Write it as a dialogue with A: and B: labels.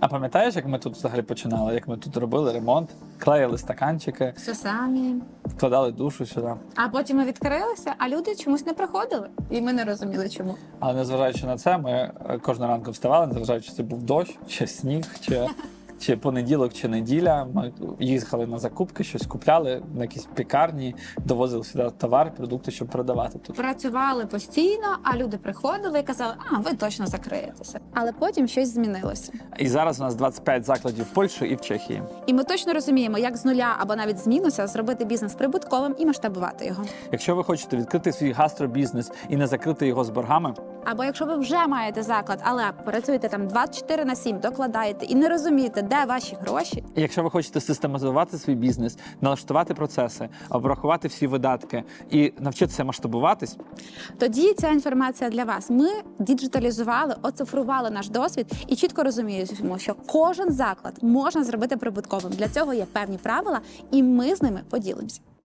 A: А пам'ятаєш, як ми тут взагалі починали? Як ми тут робили ремонт, клеїли стаканчики,
B: Все самі.
A: вкладали душу сюди.
B: А потім ми відкрилися, а люди чомусь не приходили. І ми не розуміли, чому.
A: Але незважаючи на це, ми кожного ранку вставали, незважаючи, чи це був дощ, чи сніг, чи понеділок, чи неділя. Ми їхали на закупки, щось купляли на якісь пекарні, довозили сюди товар, продукти, щоб продавати тут.
B: Працювали постійно, а люди приходили і казали, а ви точно закриєтеся. Але потім щось змінилося.
A: І зараз у нас 25 закладів в Польщі і в Чехії.
B: І ми точно розуміємо, як з нуля або навіть з мінуса зробити бізнес прибутковим і масштабувати його.
A: Якщо ви хочете відкрити свій гастробізнес і не закрити його з боргами,
B: Або якщо ви вже маєте заклад, але працюєте там 24/7, докладаєте і не розумієте, де ваші гроші,
A: і якщо ви хочете систематизувати свій бізнес, налаштувати процеси, обрахувати всі видатки і навчитися масштабуватись,
B: тоді ця інформація для вас. Ми діджиталізували, оцифрували наш досвід і чітко розуміємо, що кожен заклад можна зробити прибутковим. Для цього є певні правила, і ми з ними поділимося.